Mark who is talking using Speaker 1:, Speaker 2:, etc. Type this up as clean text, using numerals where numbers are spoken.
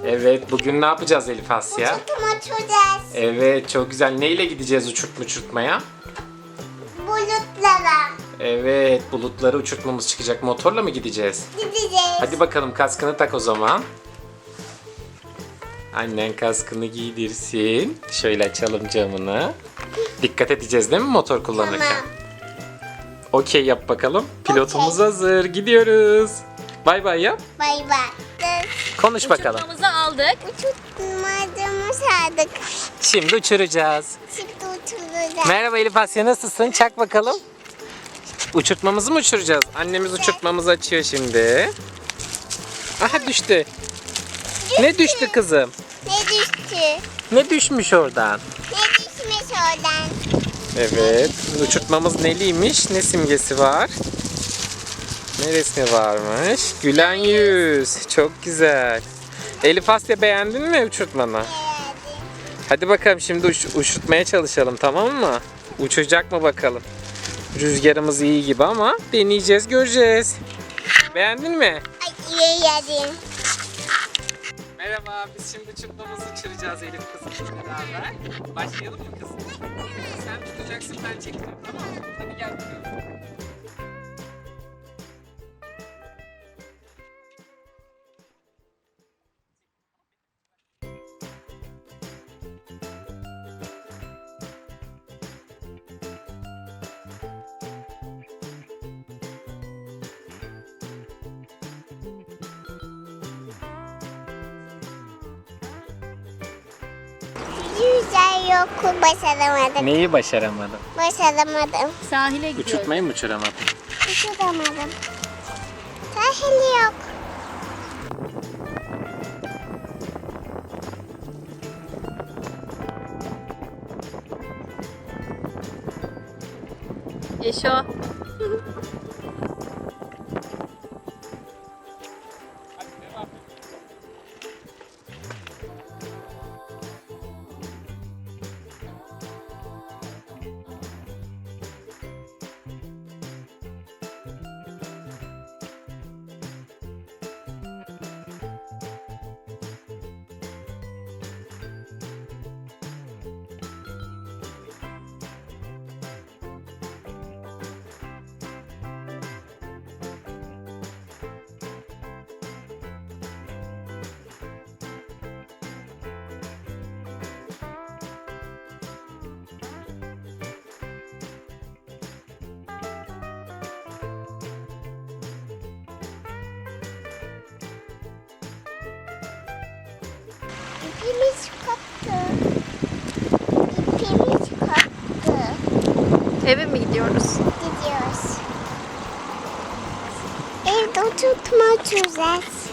Speaker 1: Evet, bugün ne yapacağız Elif Asya?
Speaker 2: Uçurtacağız.
Speaker 1: Evet, çok güzel. Neyle gideceğiz uçurtmaya?
Speaker 2: Bulutlara
Speaker 1: Evet, bulutları uçurtmamız çıkacak. Motorla mı gideceğiz?
Speaker 2: gideceğiz.
Speaker 1: Hadi bakalım, kaskını tak o zaman. Annen kaskını giydirsin. Şöyle açalım camını. Dikkat edeceğiz değil mi motor kullanırken?
Speaker 2: Tamam.
Speaker 1: Okey yap bakalım. Pilotumuz
Speaker 2: Okey.
Speaker 1: hazır. Gidiyoruz. Bay bay yap.
Speaker 2: Bay bay.
Speaker 1: Konuş bakalım.
Speaker 3: Uçurtmamızı aldık.
Speaker 2: Uçurtmacımızı aldık.
Speaker 1: Şimdi uçuracağız.
Speaker 2: Şimdi uçuracağız.
Speaker 1: Merhaba Elif Asya, nasılsın? Çak bakalım. Uçurtmamızı mı uçuracağız? Annemiz uçurtmamızı açıyor şimdi. Aha düştü. Ne düştü kızım?
Speaker 2: Ne düştü?
Speaker 1: Ne düşmüş oradan?
Speaker 2: Ne düşmüş oradan?
Speaker 1: Evet. Uçurtmamız neliymiş? Ne simgesi var? Ne resmi varmış? Gülen yüz. Çok güzel. Elif Asya, beğendin mi uçurtmanı?
Speaker 2: Geldi.
Speaker 1: Hadi bakalım şimdi uçurtmaya çalışalım, tamam mı? Uçacak mı bakalım? Rüzgarımız iyi gibi ama deneyeceğiz, göreceğiz. Beğendin mi?
Speaker 2: Ay iyi yedim.
Speaker 1: Merhaba, biz şimdi uçurtmamızı uçuracağız Elif kızımla beraber. Başlayalım mı kızım? Sen tutacaksın, ben çekeceğim, tamam mı? Hadi gel bakalım.
Speaker 2: Güzel yok. Başaramadım.
Speaker 1: Neyi başaramadın?
Speaker 2: Başaramadım.
Speaker 3: Sahile gidiyoruz.
Speaker 1: Uçurtmayı mı uçuramadın?
Speaker 2: Uçuramadım. Sahil yok.
Speaker 3: Yaşa.
Speaker 2: İpimiz koptu. İpimiz koptu.
Speaker 3: Eve mi gidiyoruz?
Speaker 2: Gidiyoruz. Evde uçurtma uçuracağız.